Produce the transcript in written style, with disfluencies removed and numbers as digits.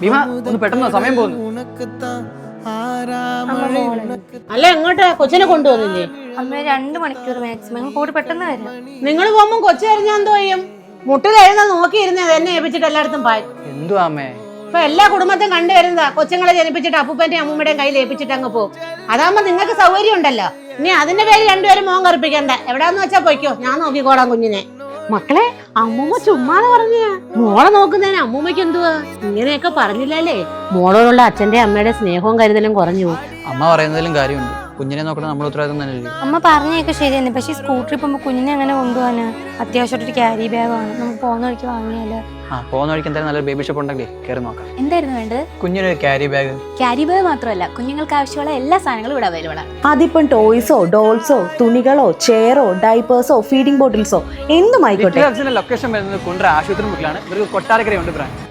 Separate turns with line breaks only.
ഭീമ ഒന്ന് പെട്ടെന്ന് സമയം പോകുന്നു.
അല്ല എങ്ങോട്ടാ കൊച്ചിനെ കൊണ്ടുപോകുന്നില്ലേ?
അമ്മ 2 മണിക്കൂർ മാക്സിമം കൂടി പെട്ടെന്ന് വരാം.
നിങ്ങൾ പോകുമ്പോ കൊച്ചു കഴിഞ്ഞാൽ എന്തോ ചെയ്യും? മുട്ടിൽ എഴുതാൻ നോക്കിയിരുന്നേ എന്നെ ഏൽപ്പിച്ചിട്ട് എല്ലായിടത്തും പായി.
എന്തുവാ അമ്മേ?
ഇപ്പൊ എല്ലാ കുടുംബത്തും കണ്ടുവരുന്നതാ, കൊച്ചുങ്ങളെ ജനിപ്പിച്ചിട്ട് അപ്പൂപ്പന്റെയും അമ്മൂമ്മയുടെയും കയ്യിൽ ഏൽപ്പിച്ചിട്ട് അങ്ങ് പോകും. അതാകുമ്പോ നിങ്ങൾക്ക് സൗകര്യം ഉണ്ടല്ലോ. ഇനി അതിന്റെ പേര് രണ്ടുപേരും മോൻ കറുപ്പിക്കണ്ട. എവിടാന്ന് വെച്ചാ പോയിക്കോ, ഞാൻ നോക്കിക്കോളാം കുഞ്ഞിനെ. മക്കളെ, അമ്മൂമ്മ ചുമ്മാതെ പറഞ്ഞ മോളെ നോക്കുന്നതിന് അമ്മൂമ്മയ്ക്ക് എന്തുവാ? ഇങ്ങനെയൊക്കെ പറഞ്ഞില്ലല്ലേ മോളോടുള്ള അച്ഛന്റെ അമ്മയുടെ സ്നേഹവും കരുതലും കുറഞ്ഞു.
അമ്മ പറയുന്നതിലും കാര്യമുണ്ട്. കുഞ്ഞിനെ നോക്കണം നമ്മൾ ഉത്തരവാദിത്വം തന്നെയല്ലേ.
അമ്മ പറഞ്ഞൊക്കെ ശരി തന്നെ, പക്ഷേ സ്കൂട്ടറിൽ പോകുമ്പോൾ കുഞ്ഞിനെ അങ്ങനെ കൊണ്ടുപോകാന് അത്യാവശ്യമായിട്ടൊരു ക്യാരി ബാഗ് ആണ്. നമുക്ക് പോകുന്ന വഴിക്ക് വാങ്ങിയാലോ?
പോകുന്ന വഴിക്ക് എന്തായാലും നല്ലൊരു ബേബി ഷോപ്പ് ഉണ്ടെങ്കിൽ കയറി നോക്കാം.
എന്തായിരുന്നു വേണ്ടത്?
കുഞ്ഞിനൊരു ക്യാരി ബാഗ്.
ക്യാരി ബാഗ് മാത്രമല്ല, കുഞ്ഞുങ്ങൾക്ക് ആവശ്യമുള്ള എല്ലാ സാധനങ്ങളും ഇവിടെ അവൈലബിൾ ആണ്.
അതിപ്പം ടോയ്സോ ഡോൾസോ തുണികളോ ചെയറോ ഡൈപ്പേഴ്സോ ഫീഡിംഗ് ബോട്ടിൽസോ എന്തുമായിക്കോട്ടെ.
ലൊക്കേഷൻ വരുന്നത് കുണ്ട്ര ആശുപത്രി മുക്കിലാണ്. ഇവർക്ക് കൊട്ടാരക്കരയുണ്ട് ബ്രാഞ്ച്.